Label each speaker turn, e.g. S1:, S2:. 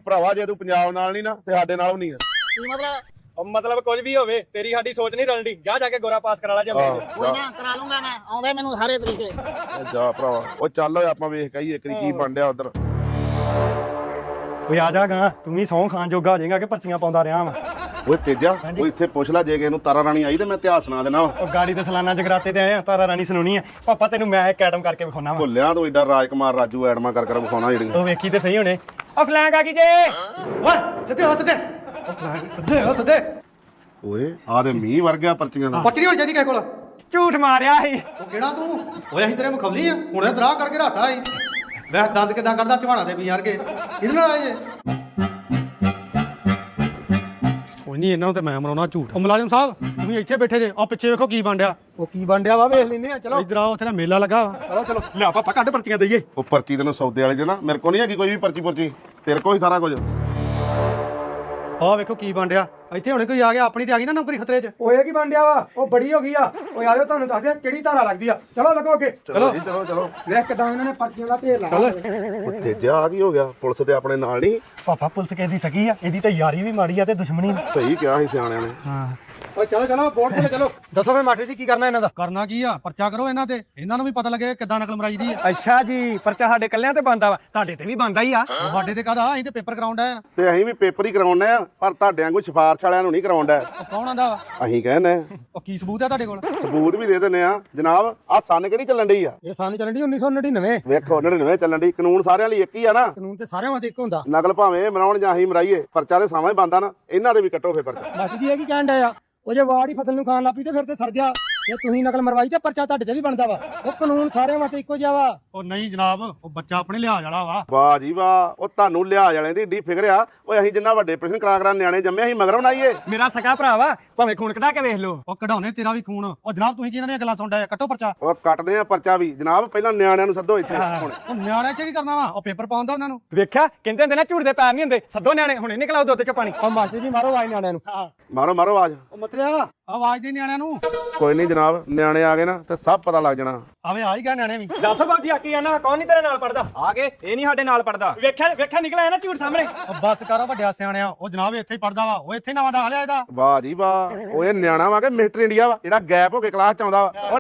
S1: ਭਰਾਵਾ ਜੇ ਤੂੰ ਪੰਜਾਬ ਨਾਲ ਨਹੀਂ ਨਾ ਤੇ ਸਾਡੇ ਨਾਲ ਵੀ ਨਹੀਂ ਆ।
S2: ਕੀ ਮਤਲਬ
S3: ਮਤਲਬ ਕੁਝ ਵੀ ਹੋਵੇ ਤੇਰੀ ਸਾਡੀ ਸੋਚ ਨਹੀਂ ਰਲਦੀ। ਜਾ ਕੇ ਗੋਰਾ ਪਾਸ ਕਰਾ ਲਾ ਜੰਮੇ
S2: ਕੋਈ ਨਾ ਕਰਾ ਲੂੰਗਾ ਮੈਂ ਆਉਂਦੇ ਮੈਨੂੰ ਸਾਰੇ ਤਰੀਕੇ
S1: ਜਾ ਭਰਾਵਾ ਉਹ ਚੱਲ ਓਏ ਆਪਾਂ ਵੇਖ ਕੇ ਆਈਏ ਇੱਕ ਕੀ ਬਣ ਡਿਆ ਉਧਰ।
S3: ਓਏ ਆ ਜਾ ਗਾ ਤੂੰ ਵੀ ਸੌਂ ਖਾਣ ਜੋਗਾ ਹੋ ਜਾਏਗਾ ਕਿ ਪਰਚੀਆਂ ਪਾਉਂਦਾ ਰਿਹਾ ਵਾ।
S1: ਓਏ ਤੇਜਾ ਉਹ ਇੱਥੇ ਪੁੱਛ ਲੈ ਜੇ ਕਿਸੇ ਨੂੰ ਤਾਰਾ ਰਾਣੀ ਆਈ ਤੇ ਮੈਂ ਇਤਿਹਾਸ ਸੁਣਾ ਦੇਣਾ।
S3: ਉਹ ਗਾੜੀ ਤੇ ਸਲਾਨਾ ਜਗਰਾਤੇ ਤੇ ਆਏ ਆ ਤਾਰਾ ਰਾਣੀ ਸੁਣਾਉਣੀ ਆ। ਪਾਪਾ ਤੈਨੂੰ ਮੈਂ ਇੱਕ ਐਟਮ ਕਰਕੇ ਵਿਖਾਉਣਾ ਵਾ।
S1: ਭੁੱਲਿਆ ਤੂੰ ਏਡਾ ਰਾਜਕੁਮਾਰ ਰਾਜੂ ਐਡਮਾ ਕਰ ਵਿਖਾਉਣਾ ਜਿਹੜੀਆਂ।
S3: ਉਹ ਵੇਖੀ ਤੇ ਸਹੀ ਹੁਣੇ ਆ ਫਲੈਂਕ ਆ ਗਈ ਜੇ।
S4: ਓਏ ਸਿੱਧੇ ਹੋ ਸਿੱਧੇ ਸਿੱਧੇ ਹੋ ਸਿੱਧੇ।
S1: ਓਏ ਆ ਤੇ ਮੀਂਹ ਵਰ ਗਿਆ ਪਰਚੀਆਂ ਦਾ।
S4: ਪਰਚੀ ਨਹੀਂ ਹੋਈ ਚਾਹੀਦੀ ਕਿਸੇ ਕੋਲ।
S3: ਝੂਠ ਮਾਰਿਆ ਸੀ।
S4: ਉਹ ਕਿਹੜਾ ਤੂੰ ਓਏ ਅਸੀਂ ਤੇਰੇ ਮੁਖਵਲੀ ਆ ਹੁਣੇ ਦਰਾਹ ਕਰਕੇ ਰਾਤਾ ਸੀ। ਵੈਸੇ ਦੰਦ ਕਿਦਾਂ ਕੱਢਦਾ ਝਵਾਣਾ ਦੇ ਵੀ ਯਾਰ ਕੇ ਇਹਦੇ ਨਾਲ ਆਏ ਜੇ। ਕੋਈ ਨਹੀਂ ਇਹਨਾਂ ਨੂੰ ਤੇ ਮੈਂ ਮਰਾਉਣਾ ਝੂਠ। ਉਹ ਮੁਲਾਜ਼ਮ ਸਾਹਿਬ ਤੁਸੀਂ ਇੱਥੇ ਬੈਠੇ ਜੇ ਆ ਪਿੱਛੇ ਵੇਖੋ ਕੀ ਬਣ ਡਿਆ।
S3: ਉਹ ਕੀ ਬੰਡਿਆ ਵਾ ਵੇਖ ਲੈਨੇ ਆ ਚਲੋ
S4: ਇੱਧਰ ਆਓ ਉੱਥੇ ਨਾ ਮੇਲਾ ਲੱਗਾ ਵਾ।
S3: ਚਲੋ ਲਿਆ ਪਾਪਾ ਕੱਢ ਪਰਚੀਆਂ ਦਈਏ।
S1: ਉਹ ਪਰਚੀ ਤੈਨੂੰ ਸੌਦੇ ਵਾਲੇ ਦੇ ਨਾ ਮੇਰੇ ਕੋਲ ਨਹੀਂ ਹੈਗੀ ਕੋਈ ਵੀ ਪਰਚੀ ਤੇਰੇ ਕੋਲ ਹੀ ਸਾਰਾ ਕੁਝ।
S4: ਆਹ ਵੇਖੋ ਕੀ ਬਣ ਡਿਆ। ਇੱਥੇ ਹੁਣੇ ਕੋਈ ਆ ਗਿਆ ਆਪਣੀ ਤੇ ਆ ਗਈ ਨਾ ਨੌਕਰੀ ਖਤਰੇ 'ਚ।
S3: ਓਏ ਕੀ ਬੰਡਿਆ ਵਾ ਉਹ ਬੜੀ ਹੋ ਗਈ ਆ। ਓਏ ਆਜੋ ਤੁਹਾਨੂੰ ਦੱਸਦੇ ਆ ਕਿਹੜੀ ਧਾਰਾ ਲੱਗਦੀ ਆ। ਚਲੋ ਲੱਗੋ ਅੱਗੇ
S1: ਚਲੋ ਜੀ ਚਲੋ।
S3: ਵੇਖ ਕਿਦਾਂ ਇਹਨਾਂ ਨੇ ਪਰਚੀਆਂ ਦਾ ਢੇਰ ਲਾ।
S1: ਉਹ ਤੇਜਾ ਆ ਕੀ ਹੋ ਗਿਆ ਪੁਲਿਸ ਤੇ ਆਪਣੇ ਨਾਲ ਨਹੀਂ।
S3: ਪਾਪਾ ਪੁਲਿਸ ਕਿਹਦੀ ਸਕੀ ਆ ਇਹਦੀ ਤੇ ਯਾਰੀ ਵੀ ਮਾੜੀ ਆ ਤੇ ਦੁਸ਼ਮਣੀ ਵੀ।
S1: ਸਹੀ ਕਿਹਾ ਸੀ ਸਿਆਣਿਆਂ ਨੇ।
S3: ਹਾਂ ਓਏ ਚਲੋ ਬੋਰਡ ਤੇ ਚਲੋ। ਦੱਸੋ ਫੇ ਮਾਸਟਰ ਜੀ ਕੀ ਕਰਨਾ ਇਹਨਾਂ ਦਾ।
S4: ਕਰਨਾ ਕੀ ਆ ਪਰਚਾ ਕਰੋ ਇਹਨਾਂ ਤੇ ਇਹਨਾਂ ਨੂੰ ਵੀ ਪਤਾ ਲੱਗੇ ਕਿੱਦਾਂ ਨਕਲ ਮਰਾਈ ਦੀ ਆ।
S3: ਅੱਛਾ ਜੀ ਪਰਚਾ ਸਾਡੇ ਕੱਲਿਆਂ ਤੇ ਬੰਦਾ ਵਾ ਤੁਹਾਡੇ ਤੇ ਵੀ ਬੰਦਾ ਹੀ ਆ।
S4: ਸਾਡੇ ਤੇ ਕਾਹਦਾ ਅਸੀਂ ਤੇ ਪੇਪਰ ਕਰਾਉਂਦਾ ਆ।
S1: ਤੇ ਅਸੀਂ ਵੀ ਪੇਪਰ ਹੀ ਕਰਾਉਣਾ ਆ ਪਰ ਤੁਹਾਡੇ ਵਾਂਗੂ ਸਿਫਾਰਸ਼ ਵਾਲਿਆਂ ਨੂੰ ਨਹੀਂ ਕਰਾਉਂਦਾ।
S4: ਉਹ ਕੌਣ ਆਂਦਾ ਵਾ?
S1: ਅਸੀਂ ਕਹਿੰਦੇ
S4: ਉਹ ਕੀ ਸਬੂਤ ਆ ਤੁਹਾਡੇ ਕੋਲ?
S1: ਸਬੂਤ ਵੀ ਦੇ ਦਿੰਦੇ ਆ ਜਨਾਬ। ਆ ਸੰਨ ਕਿਹੜੀ ਚੱਲਣ ਡਈ ਆ?
S3: ਇਹ ਸਾਨੂੰ ਚੱਲਣ ਦੀ 1999।
S1: ਵੇਖੋ 99 ਚੱਲਣ ਡਈ। ਕਾਨੂੰਨ ਸਾਰਿਆਂ ਲਈ ਇੱਕ ਹੀ ਆ ਨਾ।
S3: ਕਾਨੂੰਨ ਤੇ ਸਾਰਿਆਂ ਵਾਸਤੇ ਇੱਕ ਹੁੰਦਾ।
S1: ਨਕਲ ਭਾਵੇਂ ਮਰਾਉਣ ਜਾਂ ਅਸੀਂ ਮਰਾਈਏ ਪਰਚਾ ਤੇ ਸਾਵਾਂ ਹੀ ਬੰਦਾ ਨਾ। ਇਹਨਾਂ ਦੇ ਵੀ ਕੱਟੋ ਫੇ ਪਰਚਾ।
S3: ਮਾਸਟਰ ਜੀ ਇਹ ਕੀ ਕਹਿਣ ਡਿਆ ਆ ਉਹ ਜੇ ਵਾੜ ਹੀ ਫਸਲ ਨੂੰ ਖਾਣ ਲੱਪੀ ਤੇ ਫਿਰ ਤੇ ਸਰ ਗਿਆ। ਜੇ ਤੁਸੀਂ ਨਕਲ ਮਰਵਾਈ ਤੇ ਪਰਚਾ ਤੁਹਾਡੇ ਤੇ ਵੀ ਬਣਦਾ ਵਾ। ਉਹ ਕਾਨੂੰਨ ਸਾਰਿਆਂ ਵਾਸਤੇ ਇੱਕੋ ਜਿਹਾ ਵਾ।
S4: ਉਹ ਨਹੀਂ ਜਨਾਬ ਉਹ ਬੱਚਾ ਆਪਣੇ ਲਿਹਾਜ਼ ਵਾਲਾ ਵਾ।
S1: ਵਾਹ ਜੀ ਵਾਹ। ਉਹ ਤੁਹਾਨੂੰ ਲਿਹਾਜ਼ ਵਾਲਿਆਂ ਦੀ ਏਡੀ ਫਿਕਰ ਆ। ਓਏ ਅਸੀਂ ਜਿੰਨਾ ਵੱਡੇ ਪ੍ਰਸ਼ਨ ਕਰਾ ਨਿਆਣੇ ਜੰਮੇ ਅਸੀਂ ਮਗਰ ਬਣਾਈਏ।
S3: ਮੇਰਾ ਸਕਾ ਭਰਾ ਵਾ ਭਾਵੇਂ ਖੂਨ ਕਢਾ ਕੇ ਵੇਖ ਲਓ।
S4: ਉਹ ਕਢਾਉਣੇ ਤੇਰਾ ਵੀ ਖੂਨ। ਉਹ ਜਨਾਬ ਤੁਸੀਂ ਕੀ ਇਹਨਾਂ ਦੀਆਂ ਗੱਲਾਂ ਸੁਣਦਾ ਕੱਟੋ ਪਰਚਾ।
S1: ਉਹ ਕੱਟਦੇ ਆ ਪਰਚਾ ਵੀ ਜਨਾਬ। ਪਹਿਲਾਂ ਨਿਆਣਿਆਂ ਨੂੰ ਸੱਦੋ ਇੱਥੇ ਹੁਣ।
S4: ਉਹ ਨਿਆਣੇ ਚ ਕੀ ਕਰਨਾ ਵਾ? ਉਹ ਪੇਪਰ ਪਾਉਂਦਾ ਉਹਨਾਂ ਨੂੰ।
S3: ਵੇਖਿਆ ਕਹਿੰਦੇ ਹੁੰਦੇ ਨਾ ਝੂਠ ਦੇ ਪੈਰ ਨਹੀਂ ਹੁੰਦੇ। ਸੱਦੋ ਨਿਆਣੇ ਹੁਣੇ ਨਿਕਲਾਓ ਦੁੱਧ ਚੋਂ ਪਾਣੀ। ਉਹ ਮਾਸਟਰ ਜੀ ਮਾਰੋ ਆਵਾਜ਼ ਨਿਆਣਿਆਂ ਨੂੰ।
S1: ਮਾਰੋ ਆਵਾਜ਼।
S4: ਉਹ ਮਤਰਿਆ ਆਵਾਜ਼ ਦੇ ਨਿਆਣਿਆਂ ਨੂੰ।
S1: ਕੋਈ ਨਹੀਂ ਜਨਾਬ ਨਿਆਣੇ ਆ ਗਏ ਨਾ ਤੇ ਸਭ ਪਤਾ ਲੱਗ ਜਾਣਾ।
S4: ਆਵੇ ਆ ਹੀ ਗਿਆ ਨਿਆਣੇ ਵੀ।
S3: ਦੱਸ ਬਾਬੂ ਆਕੀ ਆਣਾ ਕੌਣ ਨਹੀਂ ਤੇਰੇ ਨਾਲ ਪੜਦਾ।
S5: ਆ ਕੇ ਇਹ ਨਹੀਂ ਸਾਡੇ ਨਾਲ ਪੜਦਾ।
S3: ਵੇਖਿਆ ਨਿਕਲਿਆ ਨਾ ਝੂਠ ਸਾਹਮਣੇ।
S4: ਉਹ ਬੱਸ ਕਰ ਵੱਡਿਆ ਸਿਆਣਿਆ। ਉਹ ਜਨਾਬ ਇੱਥੇ ਹੀ ਪੜਦਾ ਵਾ। ਉਹ ਇੱਥੇ ਨਵਾਂ ਦਾਖਲਿਆ ਇਹਦਾ।
S1: ਵਾਹ ਜੀ ਵਾਹ। ਉਹ ਇਹ ਨਿਆਣਾ ਵਾ ਕਿ ਮਿਸਟਰ ਇੰਡੀਆ ਵਾ ਜਿਹੜਾ ਗੈਪ ਹੋ ਕੇ ਕਲਾਸ ਚ ਆਉਂਦਾ ਵਾ।